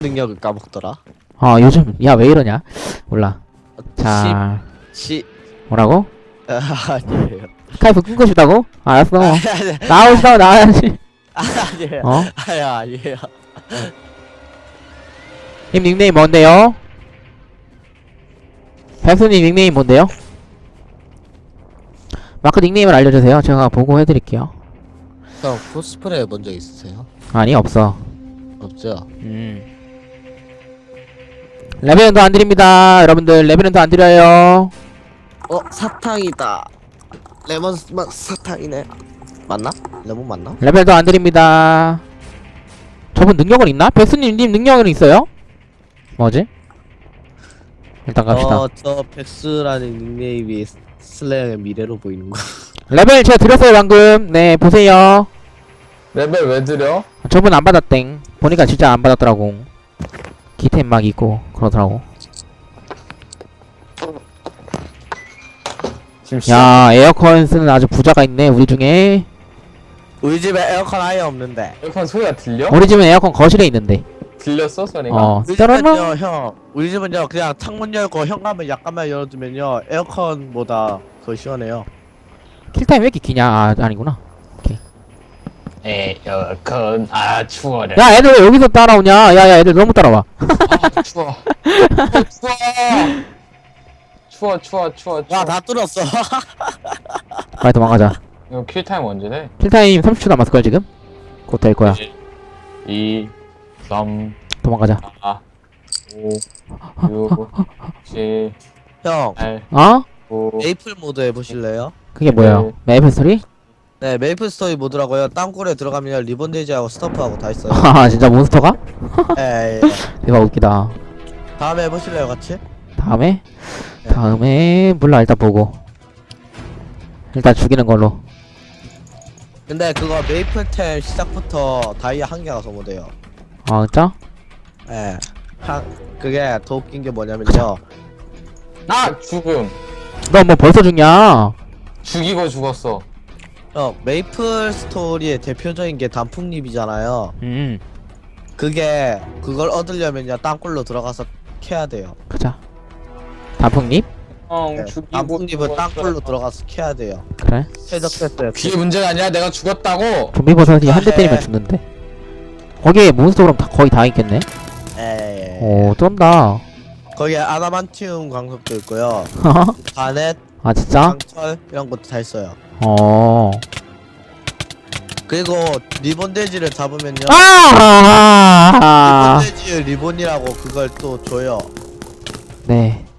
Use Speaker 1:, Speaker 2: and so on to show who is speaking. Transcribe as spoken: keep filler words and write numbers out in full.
Speaker 1: 능력을 까먹더라.
Speaker 2: 어 요즘 야 왜 이러냐 몰라. 자
Speaker 1: 시
Speaker 2: 뭐라고?
Speaker 1: 아니에요.
Speaker 2: 스카이프 끊고 싶다고? 알았어.
Speaker 1: 아니 아니
Speaker 2: 나오고 싶다고 나와야지.
Speaker 1: 아니에요.
Speaker 2: 어?
Speaker 1: 아니 아니에요.
Speaker 2: 님 닉네임 뭔데요? 백수님 닉네임 뭔데요? 마크 닉네임을 알려주세요. 제가 보고 해드릴게요.
Speaker 1: 형 코스프레 본 적 있으세요?
Speaker 2: 아니 없어.
Speaker 1: 없죠.
Speaker 2: 음. 레벨은 더 안 드립니다. 여러분들 레벨은 더 안 드려요.
Speaker 1: 어 사탕이다. 레몬 맛 사탕이네. 맞나? 레몬 맞나?
Speaker 2: 레벨 더 안 드립니다. 저분 능력은 있나? 백수님 님 능력은 있어요? 뭐지? 일단 갑시다.
Speaker 1: 어저 백수라는 닉네임이 슬레어의 미래로 보이는 거.
Speaker 2: 레벨 제가 드렸어요 방금. 네 보세요.
Speaker 3: 레벨 왜 드려?
Speaker 2: 저분 안 받았땡. 보니까 진짜 안 받았더라고. 기템 막 있고 그러더라고.
Speaker 3: 지금 시...
Speaker 2: 야 에어컨 쓰는 아주 부자가 있네 우리 중에.
Speaker 1: 우리 집에 에어컨 아예 없는데.
Speaker 3: 에어컨 소리가 들려?
Speaker 2: 우리 집은 에어컨 거실에 있는데.
Speaker 3: 들렸어 소리가?
Speaker 2: 어
Speaker 1: 우리
Speaker 2: 따라라.
Speaker 1: 집은요 형. 우리 집은요 그냥 창문 열고 현관문 약간만 열어두면요 에어컨보다 더 시원해요.
Speaker 2: 킬타임 왜 이렇게 기냐? 아 아니구나.
Speaker 3: 에어컨 아 추워라.
Speaker 2: 야 애들 왜 여기서 따라오냐? 야야 애들 너무 따라와.
Speaker 3: 아 추워. 어, 추워. 추워 추워 추워 추워.
Speaker 1: 야 다 뚫었어.
Speaker 2: 빨리 도망가자.
Speaker 3: 이거 킬타임 언제 돼?
Speaker 2: 킬타임 삼십 초 남았을걸 지금? 곧 될 거야.
Speaker 3: 이, 삼,
Speaker 2: 도망가자.
Speaker 3: 사, 오, 육, 칠,
Speaker 1: 형
Speaker 3: 팔,
Speaker 2: 어?
Speaker 3: 구,
Speaker 1: 메이플 모드 해보실래요?
Speaker 2: 그게 뭐야? 메이플 스토리?
Speaker 1: 네 메이플 스토리 모드라고요. 땅굴에 들어가면 리본 데이지하고 스토프하고 다 있어요.
Speaker 2: 아 진짜 몬스터가?
Speaker 1: 예, 예.
Speaker 2: 대박 웃기다.
Speaker 1: 다음에 해보실래요 같이?
Speaker 2: 다음에?
Speaker 1: 네.
Speaker 2: 다음에 몰라 일단 보고. 일단 죽이는 걸로.
Speaker 1: 근데 그거 메이플템 시작부터 다이아 한 개가 소모돼요.
Speaker 2: 아 진짜?
Speaker 1: 예. 한 그게 더 웃긴 게 뭐냐면요.
Speaker 3: 나 죽음.
Speaker 2: 너 뭐 벌써 죽냐?
Speaker 3: 죽이고 죽었어.
Speaker 1: 형 메이플 스토리의 대표적인 게 단풍잎이잖아요.
Speaker 2: 음
Speaker 1: 그게 그걸 얻으려면요 땅굴로 들어가서 캐야 돼요.
Speaker 2: 가자. 단풍잎?
Speaker 3: 형
Speaker 1: 네.
Speaker 3: 죽이고
Speaker 1: 단풍잎은
Speaker 3: 죽었어.
Speaker 1: 땅굴로 들어가서 캐야 돼요.
Speaker 2: 그래?
Speaker 1: 최적됐어요.
Speaker 3: 그게 문제가 아니라 내가 죽었다고.
Speaker 2: 좀비 버섯이 한 대
Speaker 1: 아,
Speaker 2: 때리면
Speaker 1: 예.
Speaker 2: 죽는데. 거기에 몬스터 그럼 다, 거의 다 있겠네?
Speaker 1: 예.
Speaker 2: 오 쩐다.
Speaker 1: 거기에 아다만티움 광석도 있고요. 바넷,
Speaker 2: 아 진짜?
Speaker 1: 강철 이런 것도 다 있어요.
Speaker 2: 어.
Speaker 1: 그리고 리본 돼지를 잡으면요.
Speaker 2: 아!
Speaker 1: 리본 돼지 리본이라고 그걸 또 줘요.
Speaker 2: 네.